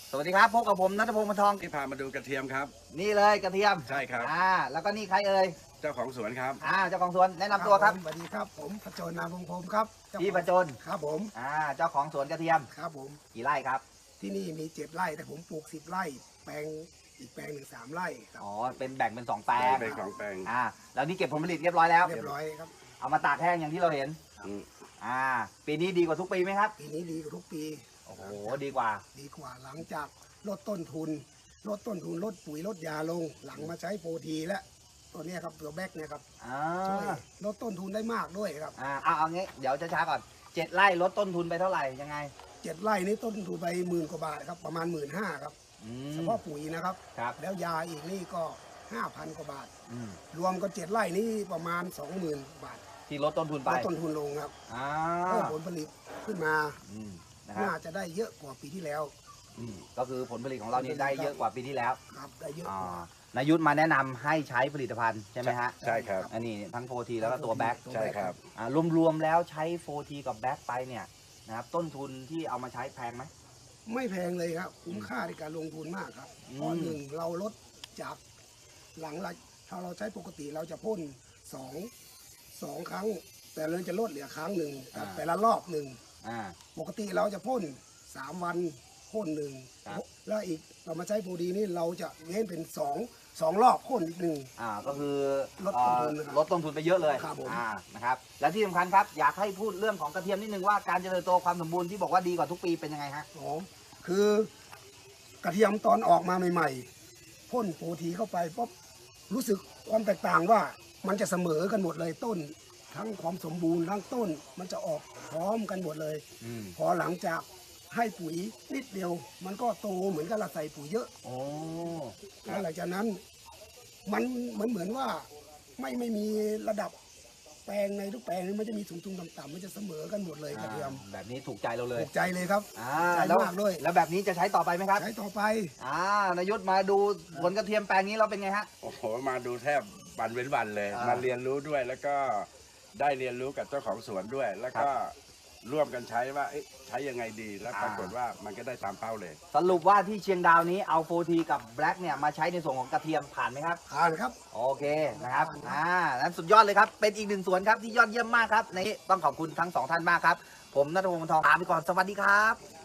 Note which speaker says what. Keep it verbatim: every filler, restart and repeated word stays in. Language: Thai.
Speaker 1: สวัสดีครับพบกับผมณัฐพงศ์ มนทอง
Speaker 2: ที่พามาดูกระเทียมครับ
Speaker 1: นี่เลยกระเทียม
Speaker 2: ใช่ครับ
Speaker 1: อ่าแล้วก็นี่ใครเอ่ย
Speaker 2: เจ้าของสวนครับ
Speaker 1: อ่าเจ้าของสวนแนะนำตัวครับ
Speaker 3: สวัสดีครับผมพจนนามวงศ์พรหมครับ
Speaker 1: พี่ประจน
Speaker 3: ครับผม
Speaker 1: อ่าเจ้าของสวนกระเทียม
Speaker 3: ครับผม
Speaker 1: กี่ไร่ครับ
Speaker 3: ที่นี่มีเจ็ดไร่แต่ผมปลูกสิบไร่แปลงอีกแปลงหนึ่งสามไร่ครับ
Speaker 1: อ๋อเป็นแบ่งเป็นสองแปลง
Speaker 2: เป็นของแปลง
Speaker 1: อ่าแล้วนี่เก็บผลผลิตเรียบร้อยแล้ว
Speaker 3: เรียบร้อยครับ
Speaker 1: เอามาตากแห้งอย่างที่เราเห็น
Speaker 2: อืม
Speaker 1: อ่าปีนี้ดีกว่าทุกปีไหมครับ
Speaker 3: ปีนี้ดีกว่าทุกปี
Speaker 1: โอ้โหดีกว่า
Speaker 3: ดีกว่าหลังจากลดต้นทุนลดต้นทุนลดปุ๋ยลดยาลงหลังมาใช้โปรทีและตัวเนี้ยครับตัวแบกเนี่ยครับ
Speaker 1: อ่า
Speaker 3: ช่วยลดต้นทุนได้มากด้วยครับ
Speaker 1: อ่าเอาเอางี้เดี๋ยวช้าๆก่อนเจ็ดไร่ลดต้นทุนไปเท่าไหร่ยังไง
Speaker 3: เจ็ดไร่นี้ต้นทุนไปหมื่นกว่าบาทครับประมาณหมื่นห้าครับเฉพาะปุ๋ยนะครับ
Speaker 1: ครับ
Speaker 3: แล้วยาอีกนี่ก็ห้าพันกว่าบาท
Speaker 1: อืม
Speaker 3: รวมก็เจ็ดไร่นี้ประมาณสองหมื่นบาท
Speaker 1: ที่ลดต้นทุนไป
Speaker 3: ลดต้นทุนลงครับ
Speaker 1: อ่า
Speaker 3: เพิ่มผลผลิตขึ้นมา
Speaker 1: อืมนะครับ
Speaker 3: น่าจะได้เยอะกว่าปีที่แล้ว
Speaker 1: อืมก็คือผลผลิตของเรานี่ได้เยอะกว่าปีที่แล้ว
Speaker 3: ครับได้เยอะ
Speaker 1: อ่
Speaker 3: กว่า
Speaker 1: านายุทธมาแนะนำให้ใช้ผลิตภัณฑ์ใช่ไหมฮะ
Speaker 2: ใช่ครับ
Speaker 1: อันนี้ทั้งโฟทีแล้วก็ตัวแบ็ค
Speaker 2: ใช่ครับ
Speaker 1: อ่ารวมๆแล้วใช้โฟทีกับแบ็คไปเนี่ยนะครับต้นทุนที่เอามาใช้แพงไหม
Speaker 3: ไม่แพงเลยครับคุ้มค่าในการลงทุนมากครับ
Speaker 1: อืม
Speaker 3: เพราะหนึ่งเราลดจากหลังละถ้าเราใช้ปกติเราจะพ่นสองสองครั้ง แต่เราจะลดเหลือครั้งหนึ่งแต่ละรอบหนึ่ง
Speaker 1: อ่า
Speaker 3: ปกติเราจะพ่นสามวันพ่นหนึ่ง
Speaker 1: ครับ
Speaker 3: แล้วอีกเรามาใช้โปรดีนี่เราจะเว้นเป็นสองสองรอบพ่นอีกหนึ่ง
Speaker 1: อ่าก็คือ
Speaker 3: ลดต้นทุน
Speaker 1: เอ่อ
Speaker 3: นะครับ
Speaker 1: ลดต้นทุนไปเยอะเลย
Speaker 3: ครับผม
Speaker 1: อ่านะครับและที่สำคัญครับอยากให้พูดเรื่องของกระเทียมนิดนึงว่าการเจริญโตความสมบูรณ์ที่บอกว่าดีกว่าทุกปีเป็นยังไงฮะ
Speaker 3: อ๋อคือกระเทียมตอนออกมาใหม่ๆพ่นโปรทีเข้าไปปุ๊บรู้สึกความแตกต่างว่ามันจะเสมอกันหมดเลยต้น ทั้งความสมบูรณ์ทั้งต้นมันจะออกพร้อมกันหมดเลย
Speaker 1: อืม
Speaker 3: พอหลังจากให้ปุ๋ยนิดเดียว มันก็โตเหมือนกับเราใส่ปุ๋ยเยอะ
Speaker 1: โอ้
Speaker 3: แล้วหลังจากนั้นมันมันเหมือนว่าไม่ไม่มีระดับแปลงในทุกแปลงมันจะมีสูงๆต่ำๆมันจะเสมอกันหมดเลยกระเทียม
Speaker 1: อ่าแบบนี้ถูกใจเราเลย
Speaker 3: ถูกใจเลยครับ
Speaker 1: อ่า
Speaker 3: ใจ
Speaker 1: แล้ว
Speaker 3: มากด้วย
Speaker 1: แล้วแบบนี้จะใช้ต่อไปไหมครับ
Speaker 3: ใช้ต่อไป
Speaker 1: อ่านายศมาดูผลกระเทียมแปลงนี้เราเป็นไงฮะ
Speaker 2: โอ้โหมาดูแทบวันเว้นวันเลย
Speaker 1: อ่าม
Speaker 2: มาเรียนรู้ด้วยแล้วก็ได้เรียนรู้กับเจ้าของสวนด้วย แล้วก็ร่วมกันใช้ว่าเอ๊ะใช้ยังไงดีแล้วปรากฏว่ามันก็ได้ตามเป้าเลย
Speaker 1: สรุปว่าที่เชียงดาวนี้เอาโฟทีกับแบล็กเนี่ยมาใช้ในส่วนของกระเทียมผ่านไหมครับ
Speaker 3: ผ่านครับ
Speaker 1: โอเคนะครับ อ่า นั้นสุดยอดเลยครับ เป็นอีกหนึ่งสวนครับที่ยอดเยี่ยมมากครับในต้องขอบคุณทั้งสองท่านมากครับ ผมณัฐพงศ์ มนทองลาไปก่อน สวัสดีครับ